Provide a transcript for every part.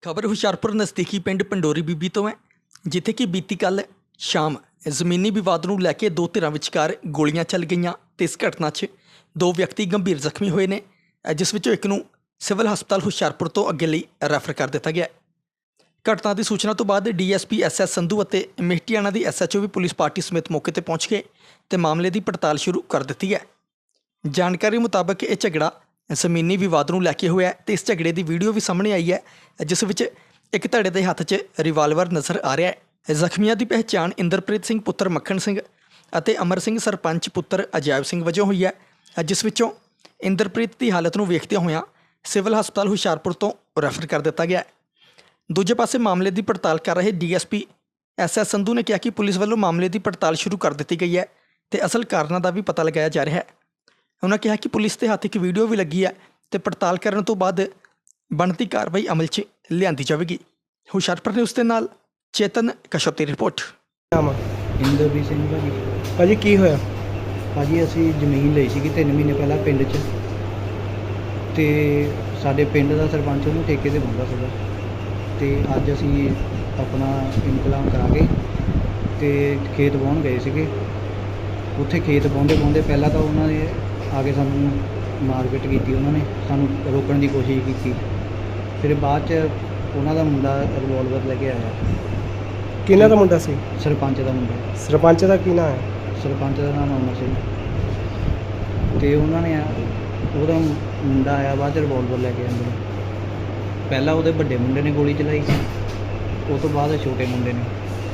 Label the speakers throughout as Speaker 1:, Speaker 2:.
Speaker 1: खबर हुशियारपुर नज़दीकी पिंड पंडोरी बीबी तो है जिथे कि बीती कल शाम ਜ਼ਮੀਨੀ ਵਿਵਾਦ ਨੂੰ ਲੈ ਕੇ ਦੋ ਧਿਰਾਂ ਵਿਚਕਾਰ ਗੋਲੀਆਂ ਚੱਲ ਗਈਆਂ ਤੇ ਇਸ ਘਟਨਾ 'ਚ ਦੋ ਵਿਅਕਤੀ ਗੰਭੀਰ ਜ਼ਖਮੀ ਹੋਏ ਨੇ ਜਿਸ ਵਿੱਚੋਂ ਇੱਕ ਨੂੰ ਸਿਵਲ ਹਸਪਤਾਲ ਹੁਸ਼ਿਆਰਪੁਰ ਤੋਂ ਅੱਗੇ ਲਈ ਰੈਫਰ ਕਰ ਦਿੱਤਾ ਗਿਆ। ਘਟਨਾ ਦੀ ਸੂਚਨਾ ਤੋਂ ਬਾਅਦ ਡੀਐਸਪੀ ਐਸਐਸ ਸੰਧੂ ਅਤੇ ਮੇਹਟੀਆਣਾ ਦੀ ਐਸਐਚਓ ਵੀ ਪੁਲਿਸ ਪਾਰਟੀ ਸਮੇਤ ਮੌਕੇ ਤੇ ਪਹੁੰਚ ਗਏ ਤੇ ਮਾਮਲੇ ਦੀ ਪੜਤਾਲ ਸ਼ੁਰੂ ਕਰ ਦਿੱਤੀ ਹੈ। ਜਾਣਕਾਰੀ ਮੁਤਾਬਕ ਇਹ ਝਗੜਾ ਜ਼ਮੀਨੀ ਵਿਵਾਦ ਨੂੰ ਲੈ ਕੇ ਹੋਇਆ ਤੇ ਇਸ ਝਗੜੇ ਦੀ ਵੀਡੀਓ ਵੀ ਸਾਹਮਣੇ ਆਈ ਹੈ ਜਿਸ ਵਿੱਚ ਇੱਕ ਧੜੇ ਦੇ ਹੱਥ 'ਚ ਰਿਵਾਲਵਰ ਨਜ਼ਰ ਆ ਰਿਹਾ ਹੈ। ਜ਼ਖਮੀਆਂ ਦੀ ਪਹਿਚਾਣ ਇੰਦਰਪ੍ਰੀਤ ਸਿੰਘ ਪੁੱਤਰ ਮੱਖਣ ਸਿੰਘ ਅਤੇ ਅਮਰ ਸਿੰਘ ਸਰਪੰਚ ਪੁੱਤਰ ਅਜਾਇਬ ਸਿੰਘ ਵਜੋਂ ਹੋਈ ਹੈ ਜਿਸ ਵਿੱਚੋਂ ਇੰਦਰਪ੍ਰੀਤ ਦੀ ਹਾਲਤ ਨੂੰ ਵੇਖਦਿਆਂ ਹੋਇਆਂ ਸਿਵਲ ਹਸਪਤਾਲ ਹੁਸ਼ਿਆਰਪੁਰ ਤੋਂ ਰੈਫਰ ਕਰ ਦਿੱਤਾ ਗਿਆ। ਦੂਜੇ ਪਾਸੇ ਮਾਮਲੇ ਦੀ ਪੜਤਾਲ ਕਰ ਰਹੇ ਡੀਐਸਪੀ ਐਸਐਸ ਸੰਧੂ ਨੇ ਕਿਹਾ ਕਿ ਪੁਲਿਸ ਵੱਲੋਂ ਮਾਮਲੇ ਦੀ ਪੜਤਾਲ ਸ਼ੁਰੂ ਕਰ ਦਿੱਤੀ ਗਈ ਹੈ ਤੇ ਅਸਲ ਕਾਰਨਾਂ ਦਾ ਵੀ ਪਤਾ ਲਗਾਇਆ ਜਾ ਰਿਹਾ ਹੈ। ਉਹਨਾਂ ਕਿਹਾ ਕਿ ਪੁਲਿਸ ਦੇ ਹੱਥ ਇੱਕ ਵੀਡੀਓ ਵੀ ਲੱਗੀ ਹੈ ਤੇ ਪੜਤਾਲ ਕਰਨ ਤੋਂ ਬਾਅਦ ਬਣਦੀ ਕਾਰਵਾਈ ਅਮਲ 'ਚ ਲਿਆਂਦੀ ਜਾਵੇਗੀ। ਹੁਸ਼ਿਆਰਪੁਰ ਨਿਊਜ਼ ਦੇ ਨਾਲ चेतन कश्यप की रिपोर्ट।
Speaker 2: ਇੰਦਰਪ੍ਰੀਤ ਸਿੰਘ
Speaker 3: ਭਾਜੀ ਕੀ ਹੋਇਆ?
Speaker 2: ਭਾਜੀ ਅਸੀਂ ਜ਼ਮੀਨ ਲਈ ਸੀਗੀ 3 ਮਹੀਨੇ ਪਹਿਲਾਂ ਪਿੰਡ 'ਚ ਤੇ ਸਾਡੇ ਪਿੰਡ ਦਾ ਸਰਪੰਚ ਉਹਨੂੰ ਠੇਕੇ ਤੇ ਬੰਦਾ ਸੀਗਾ ਤੇ ਅੱਜ ਅਸੀਂ ਆਪਣਾ ਇਨਕਲਾਮ ਕਰਾ ਕੇ ਤੇ ਖੇਤ ਵਾਹੁਣ ਗਏ ਸੀਗੇ। ਉੱਥੇ ਖੇਤ ਵਾਹੁੰਦੇ ਪਹਿਲਾਂ ਤਾਂ ਉਹਨਾਂ ਨੇ ਆ ਕੇ ਸਾਨੂੰ ਮਾਰਕੀਟ ਕੀਤੀ, ਉਹਨਾਂ ਨੇ ਸਾਨੂੰ ਰੋਕਣ ਦੀ ਕੋਸ਼ਿਸ਼ ਕੀਤੀ। ਫਿਰ ਬਾਅਦ 'ਚ ਉਹਨਾਂ ਦਾ ਮੁੰਡਾ ਰਿਵਾਲਵਰ ਲੈ ਕੇ ਆਇਆ।
Speaker 3: ਕਿਹਨਾਂ ਦਾ ਮੁੰਡਾ ਸੀ?
Speaker 2: ਸਰਪੰਚ ਦਾ ਮੁੰਡਾ।
Speaker 3: ਸਰਪੰਚ ਦਾ ਕੀ ਨਾਮ ਹੈ?
Speaker 2: ਸਰਪੰਚ ਦਾ ਨਾਮ ਅਮਰ ਸਿੰਘ ਤੇ ਉਹਨਾਂ ਨੇ ਉਹਦਾ ਮੁੰਡਾ ਆਇਆ ਬਾਅਦ 'ਚ ਰਿਵਾਲਵਰ ਲੈ ਕੇ ਆਉਂਦੇ। ਪਹਿਲਾਂ ਉਹਦੇ ਵੱਡੇ ਮੁੰਡੇ ਨੇ ਗੋਲੀ ਚਲਾਈ ਸੀ, ਉਹ ਤੋਂ ਬਾਅਦ ਛੋਟੇ ਮੁੰਡੇ ਨੇ,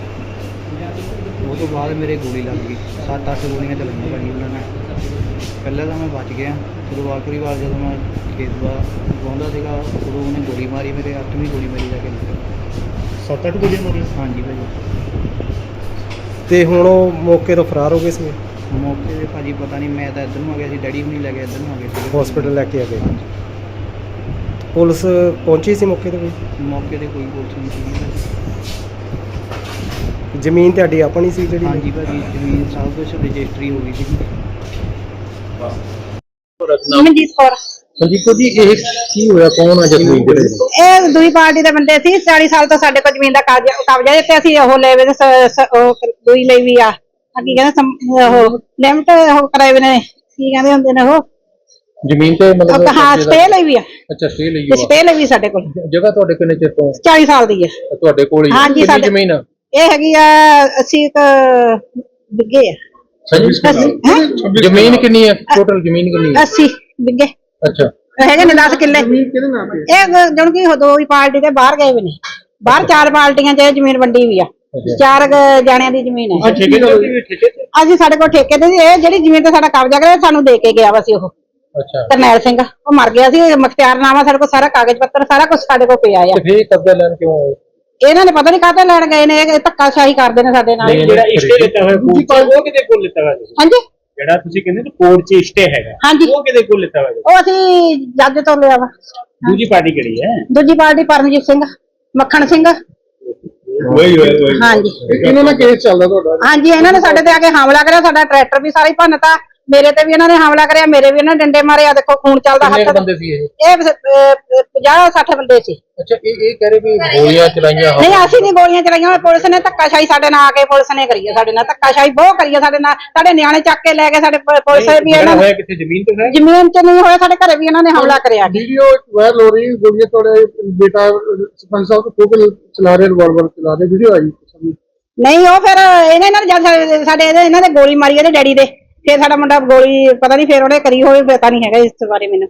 Speaker 2: ਉਹ ਤੋਂ ਬਾਅਦ ਮੇਰੇ ਗੋਲੀ ਲੱਗ ਗਈ। 7-8 ਗੋਲੀਆਂ ਚਲਾਈਆਂ ਭਾਜੀ ਉਹਨਾਂ ਨੇ। ਪਹਿਲਾਂ ਤਾਂ ਮੈਂ ਬਚ ਗਿਆ, ਜਦੋਂ ਆਖਰੀ ਵਾਰ ਜਦੋਂ ਮੈਂ ਖੇਤ ਵਾਹੁੰਦਾ ਸੀਗਾ ਉਦੋਂ ਉਹਨੇ ਗੋਲੀ ਮਾਰੀ, ਮੇਰੇ 8ਵੀਂ ਗੋਲੀ ਮੇਰੀ ਜਾ ਕੇ ਲੱਗੀ।
Speaker 3: 7-8 ਗੋਲੀਆਂ ਮਾਰੀਆਂ?
Speaker 2: ਹਾਂਜੀ ਭਾਜੀ।
Speaker 3: ਤੇ ਹੁਣ ਉਹ ਮੌਕੇ ਤੋਂ ਫਰਾਰ ਹੋ ਗਏ ਸੀ?
Speaker 2: ਮੌਕੇ 'ਤੇ ਭਾਜੀ ਪਤਾ ਨਹੀਂ, ਮੈਂ ਤਾਂ ਇੱਧਰ ਨੂੰ ਆ ਗਿਆ ਸੀ, ਡੈਡੀ ਵੀ ਨਹੀਂ ਲੈ ਗਿਆ, ਇੱਧਰ ਨੂੰ ਆ ਗਏ ਸੀ
Speaker 3: ਹਸਪੀਟਲ ਲੈ ਕੇ ਆ ਗਏ। ਪੁਲਿਸ ਪਹੁੰਚੀ ਸੀ ਮੌਕੇ ਤੇ? ਕੋਈ
Speaker 2: ਮੌਕੇ 'ਤੇ ਕੋਈ ਪੁਲਿਸ ਨਹੀਂ ਸੀਗੀ।
Speaker 3: ਜ਼ਮੀਨ ਤੁਹਾਡੀ ਆਪਣੀ ਸੀ ਜਿਹੜੀ?
Speaker 2: ਹਾਂਜੀ ਭਾਜੀ, ਜ਼ਮੀਨ ਸਭ ਕੁਛ ਰਜਿਸਟਰੀ ਹੋ ਗਈ ਸੀ।
Speaker 4: ਮਨਜੀਤ ਕੌਰ।
Speaker 3: ਮਨਜੀਤ ਜੀ ਇਹ ਕੀ ਹੋਇਆ? ਕੌਣ ਆ ਜ਼ਮੀਨ ਦੇ?
Speaker 4: ਇਹ ਦੂਈ ਪਾਰਟੀ ਦੇ ਬੰਦੇ ਸੀ। 40 ਸਾਲ ਤੋਂ ਸਾਡੇ ਕੋਲ ਜ਼ਮੀਨ ਦਾ ਕਬਜ਼ਾ ਤੇ ਅਸੀਂ ਉਹ ਲੈ ਵੇ ਦੂਈ ਲਈ ਵੀ ਆ ਕੀ ਕਹਿੰਦੇ ਉਹ ਲਿਮਟ ਉਹ ਕਰਾਏ ਵੇ ਨੇ, ਕੀ ਕਹਿੰਦੇ ਹੁੰਦੇ ਨੇ ਉਹ
Speaker 3: ਜ਼ਮੀਨ ਤੇ ਮਤਲਬ?
Speaker 4: ਹਾਂ, ਸਟੇ ਲਈ ਵੀ ਆ।
Speaker 3: ਅੱਛਾ, ਸਟੇ ਲਈ
Speaker 4: ਆ। ਸਟੇ ਲਈ ਵੀ ਸਾਡੇ ਕੋਲ।
Speaker 3: ਜਗ੍ਹਾ ਤੁਹਾਡੇ ਕਿੰਨੇ ਚਿਰ ਤੋਂ?
Speaker 4: 40 ਸਾਲ ਦੀ ਹੈ
Speaker 3: ਤੁਹਾਡੇ ਕੋਲ ਹੀ?
Speaker 4: ਹਾਂਜੀ,
Speaker 3: ਕਿੰਨੀ ਜ਼ਮੀਨ?
Speaker 4: ਇਹ ਹੈਗੀ ਆ 80 ਬਿੱਗੇ ਆ।
Speaker 3: ਜ਼ਮੀਨ ਕਿੰਨੀ ਹੈ ਟੋਟਲ? ਜ਼ਮੀਨ ਕਿੰਨੀ ਹੈ?
Speaker 4: 80 ਬਿੱਗੇ।
Speaker 3: ਅੱਛਾ,
Speaker 4: ਹੈਗੇ ਨੇ 10 ਕਿੱਲੇ। ਇਹ ਜਣ ਕੀ ਦੋ ਹੀ ਪਾਰਟੀ ਦੇ ਬਾਹਰ ਗਏ ਵੀ ਨੇ, ਬਾਹਰ 4 ਪਾਰਟੀਆਂ 'ਚ ਜ਼ਮੀਨ ਵੰਡੀ ਵੀ ਆ। 4 ਜਾਣਿਆਂ ਦੀ ਜ਼ਮੀਨ ਹੈ। ਅਸੀਂ ਸਾਡੇ ਕੋਲ ਠੇਕੇ ਤੇ ਇਹ ਜਿਹੜੀ ਜ਼ਮੀਨ ਤੇ ਸਾਡਾ ਕਬਜ਼ਾ ਕਰਿਆ ਸਾਨੂੰ ਦੇ ਕੇ ਗਿਆ ਵਾ ਸੀ ਉਹ।
Speaker 3: ਅੱਛਾ,
Speaker 4: ਕਰਨੈਲ ਸਿੰਘ ਉਹ ਮਰ ਗਿਆ ਸੀ। ਮੁਖਤਿਆਰਨਾਮਾ ਸਾਡੇ ਕੋਲ ਸਾਰਾ, ਕਾਗਜ਼ ਪੱਤਰ ਸਾਰਾ ਕੁਝ ਸਾਡੇ ਕੋਲ ਪਿਆ ਆ।
Speaker 3: ਫੇਰ ਕਬਜ਼ਾ ਲੈਣ ਕਿਉਂ ਆਏ?
Speaker 4: ਇਹਨਾਂ ਨੇ ਪਤਾ ਨਹੀਂ ਕਾਹਤੇ ਲੈਣ ਗਏ ਨੇ, ਇਹ ਧੱਕਾਸ਼ਾਹੀ ਕਰਦੇ ਨੇ ਸਾਡੇ ਨਾਲ।
Speaker 5: ਜਿਹੜਾ ਇਸ਼ਟੇ ਲਿੱਤਾ ਹੋਇਆ ਉਹ ਕਿਹਦੇ ਕੋਲ ਲਿੱਤਾ ਹੋਇਆ?
Speaker 4: ਹਾਂਜੀ,
Speaker 5: ਜਿਹੜਾ ਤੁਸੀਂ ਕਹਿੰਦੇ ਨਾ ਕੋਰਟ 'ਚ ਇਸ਼ਟੇ ਹੈਗਾ,
Speaker 4: ਹਾਂਜੀ,
Speaker 5: ਉਹ ਕਿਹਦੇ ਕੋਲ ਲਿੱਤਾ ਹੋਇਆ?
Speaker 4: ਉਹ ਅਸੀਂ ਜੱਜ ਤੋਂ ਲਿਆ ਵਾ।
Speaker 5: ਦੂਜੀ ਪਾਰਟੀ ਕਿਹੜੀ ਹੈ?
Speaker 4: ਦੂਜੀ ਪਾਰਟੀ ਪਰਮਜੀਤ ਸਿੰਘ, ਮੱਖਣ ਸਿੰਘ।
Speaker 5: ਵਹੀ
Speaker 4: ਹਾਂਜੀ,
Speaker 3: ਇਹਨਾਂ ਨਾਲ ਕੇਸ ਚੱਲਦਾ ਤੁਹਾਡਾ?
Speaker 4: ਹਾਂਜੀ, ਇਹਨਾਂ ਨੇ ਸਾਡੇ ਤੇ ਆ ਕੇ ਹਮਲਾ ਕਰਿਆ, ਸਾਡਾ ਟਰੈਕਟਰ ਵੀ ਸਾਰਾ ਹੀ ਭੰਨਤਾ। ਮੇਰੇ ਤੇ ਵੀ ਇਹਨਾਂ ਨੇ ਹਮਲਾ ਕਰਿਆ, ਮੇਰੇ ਵੀ ਇਹਨਾਂ ਨੇ ਡੰਡੇ ਮਾਰੇ। ਆ ਦੇਖੋ ਖੂਨ ਚੱਲਦਾ ਹੱਥ।
Speaker 3: ਕਿੰਨੇ ਬੰਦੇ ਸੀ ਇਹ?
Speaker 4: ਇਹ 50-60 ਬੰਦੇ ਸੀ।
Speaker 3: ਅੱਛਾ, ਇਹ ਕਹਿ ਰਹੇ ਵੀ ਗੋਲੀਆਂ ਚਲਾਈਆਂ?
Speaker 4: ਨਹੀਂ, ਅਸੀਂ ਨਹੀਂ ਗੋਲੀਆਂ ਚਲਾਈਆਂ। ਪੁਲਿਸ ਨੇ ਧੱਕਾਸ਼ਾਹੀ ਸਾਡੇ ਨਾਲ ਆ ਕੇ ਪੁਲਿਸ ਨੇ ਕਰੀ ਹੈ, ਸਾਡੇ ਨਾਲ ਧੱਕਾਸ਼ਾਹੀ ਬਹੁਤ ਕਰੀ ਹੈ। ਸਾਡੇ ਨਾਲ ਸਾਡੇ ਨਿਆਣੇ ਚੱਕ ਕੇ ਲੈ ਗਏ। ਸਾਡੇ ਪੁਲਿਸ ਵੀ ਇਹਨਾਂ ਨੇ
Speaker 5: ਕਿੱਥੇ ਜ਼ਮੀਨ ਤੇ ਹੈ?
Speaker 4: ਜ਼ਮੀਨ 'ਚ ਨਹੀਂ ਹੋਇਆ, ਸਾਡੇ ਘਰੇ ਵੀ ਇਹਨਾਂ ਨੇ ਹਮਲਾ ਕਰਿਆ।
Speaker 3: ਵੀਡੀਓ ਵਾਇਰਲ ਹੋ ਰਹੀ, ਗੋਲੀਆਂ ਤੁਹਾਡੇ ਬੇਟਾ ਸਰਪੰਚ ਸਾਹਿਬ ਤੋਂ ਖੋਲ ਚਲਾ ਰਹੇ, ਰਿਵਾਲਵਰ ਚਲਾ ਰਹੇ, ਵੀਡੀਓ ਆਈ।
Speaker 4: ਨਹੀਂ, ਉਹ ਫਿਰ ਇਹਨਾਂ ਨੇ ਜਦ ਸਾਡੇ ਇਹਨਾਂ ਦੇ ਗੋਲੀ ਮਾਰੀ ਇਹਦੇ ਡੈਡੀ ਦੇ, ਫਿਰ ਸਾਡਾ ਮੁੰਡਾ ਗੋਲੀ ਪਤਾ ਨਹੀਂ ਫਿਰ ਉਹਨੇ ਕਰੀ ਹੋਵੇ, ਪਤਾ ਨਹੀਂ ਹੈਗਾ ਇਸ ਬਾਰੇ ਮੈਨੂੰ।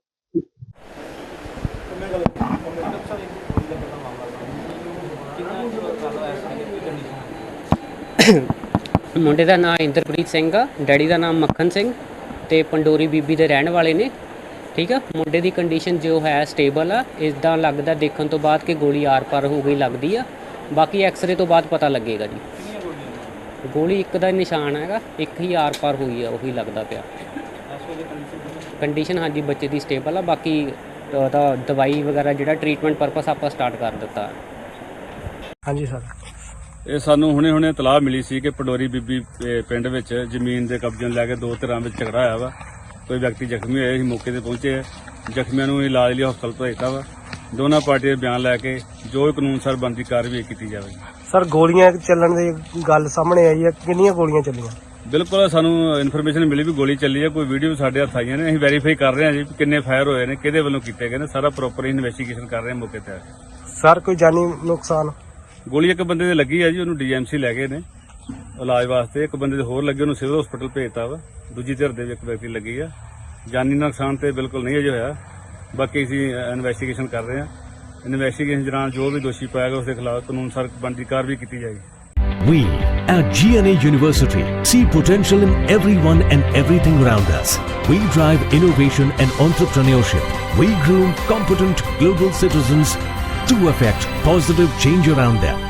Speaker 6: ਮੁੰਡੇ ਦਾ ਨਾਮ ਇੰਦਰਪ੍ਰੀਤ ਸਿੰਘ ਆ, ਡੈਡੀ ਦਾ ਨਾਮ ਮੱਖਣ ਸਿੰਘ ਤੇ ਪੰਡੋਰੀ ਬੀਬੀ ਦੇ ਰਹਿਣ ਵਾਲੇ ਨੇ। ਠੀਕ ਆ, ਮੁੰਡੇ ਦੀ ਕੰਡੀਸ਼ਨ ਜੋ ਹੈ ਸਟੇਬਲ ਆ। ਇੱਦਾਂ ਲੱਗਦਾ ਦੇਖਣ ਤੋਂ ਬਾਅਦ ਕਿ ਗੋਲੀ ਆਰ ਪਾਰ ਹੋ ਗਈ ਲੱਗਦੀ ਆ। ਬਾਕੀ ਐਕਸਰੇ ਤੋਂ ਬਾਅਦ ਪਤਾ ਲੱਗੇਗਾ ਜੀ। ਗੋਲੀ ਇੱਕ ਦਾ ਨਿਸ਼ਾਨ ਹੈਗਾ, ਇੱਕ ਹੀ ਆਰ ਪਾਰ ਹੋਈ ਆ, ਉਹੀ ਲੱਗਦਾ ਪਿਆ। ਕੰਡੀਸ਼ਨ ਹਾਂਜੀ ਬੱਚੇ ਦੀ ਸਟੇਬਲ ਆ। ਬਾਕੀ ਉਹਦਾ ਦਵਾਈ ਵਗੈਰਾ ਜਿਹੜਾ ਟ੍ਰੀਟਮੈਂਟ ਪਰਪਸ ਆਪਾਂ ਸਟਾਰਟ ਕਰ ਦਿੱਤਾ।
Speaker 3: ਹਾਂਜੀ ਸਰ,
Speaker 7: ਇਹ ਸਾਨੂੰ ਹੁਣੇ ਇਤਲਾਹ ਮਿਲੀ ਸੀ ਕਿ ਪੰਡੋਰੀ ਬੀਬੀ ਪਿੰਡ ਵਿੱਚ ਜ਼ਮੀਨ ਦੇ ਕਬਜ਼ੇ ਨੂੰ ਲੈ ਕੇ ਦੋ ਧਿਰਾਂ ਵਿੱਚ ਝਗੜਾ ਹੋਇਆ ਵਾ। ਕੋਈ ਵਿਅਕਤੀ ਜ਼ਖਮੀ ਹੋਇਆ ਸੀ, ਮੌਕੇ ਤੇ ਪਹੁੰਚੇ। ਜ਼ਖਮੀਆਂ ਨੂੰ ਇਲਾਜ ਲਈ ਹਸਪਤਾਲ ਭੇਜਤਾ ਵਾ। ਦੋਨਾਂ ਪਾਰਟੀਆਂ ਦੇ ਬਿਆਨ ਲੈ ਕੇ ਜੋ ਕਾਨੂੰਨ ਅਨੁਸਾਰ ਬਣਦੀ ਕਾਰਵਾਈ ਕੀਤੀ ਜਾਵੇ।
Speaker 8: ਸਰ ਗੋਲੀਆਂ ਚੱਲਣ ਦੀ ਗੱਲ ਸਾਹਮਣੇ ਆਈ ਹੈ, ਕਿੰਨੀਆਂ ਗੋਲੀਆਂ ਚੱਲੀਆਂ?
Speaker 7: ਬਿਲਕੁਲ ਸਾਨੂੰ ਇਨਫੋਰਮੇਸ਼ਨ ਮਿਲੀ ਵੀ ਗੋਲੀ ਚੱਲੀ ਹੈ, ਕੋਈ ਵੀਡੀਓ ਸਾਡੇ ਹੱਥ ਆਈਆਂ ਨੇ, ਅਸੀਂ ਵੈਰੀਫਾਈ ਕਰ ਰਹੇ ਹਾਂ ਜੀ ਕਿੰਨੇ ਫਾਇਰ ਹੋਏ ਨੇ, ਕਿਹਦੇ ਵੱਲੋਂ ਕੀਤੇ ਗਏ ਨੇ, ਸਾਰਾ ਪ੍ਰੋਪਰ ਇਨਵੈਸਟੀਗੇਸ਼ਨ ਕਰ ਰਹੇ ਹਾਂ ਮੌਕੇ ਤੇ।
Speaker 8: ਸਰ ਕੋਈ ਜਾਨੀ ਨੁਕਸਾਨ?
Speaker 7: ਗੋਲੀ ਇੱਕ ਬੰਦੇ ਦੇ ਲੱਗੀ ਹੈ ਜੀ, ਉਹਨੂੰ ਡੀਐਮਸੀ ਲੈ ਗਏ ਨੇ ਇਲਾਜ ਵਾਸਤੇ। ਇੱਕ ਬੰਦੇ ਦੇ ਹੋਰ ਲੱਗੇ, ਉਹਨੂੰ ਸਿਵਲ ਹਸਪੀਟਲ ਭੇਜਤਾ ਵਾ। ਦੂਜੀ ਧਿਰ ਦੇ ਵੀ ਇੱਕ ਵਿਅਕਤੀ ਲੱਗੀ ਆ। ਜਾਨੀ ਨੁਕਸਾਨ ਤੇ ਬਿਲਕੁਲ ਨਹੀਂ ਅਜੇ ਹੋਇਆ, ਬਾਕੀ ਅਸੀਂ ਇਨਵੈਸਟੀਗੇਸ਼ਨ ਕਰ ਰਹੇ ਹਾਂ। ਇਨਵੈਸਟੀਗੇਸ਼ਨ ਦੌਰਾਨ ਜੋ ਵੀ ਦੋਸ਼ੀ ਪਾਇਆ ਗਿਆ ਉਸ ਦੇ ਖਿਲਾਫ ਕਾਨੂੰਨ ਅਨੁਸਾਰ ਬਣਦੀ ਕਾਰਵਾਈ ਕੀਤੀ ਜਾਏਗੀ।
Speaker 9: We at GNA University see potential in everyone and everything around us. We drive innovation and entrepreneurship. We groom competent global citizens to affect positive change around them.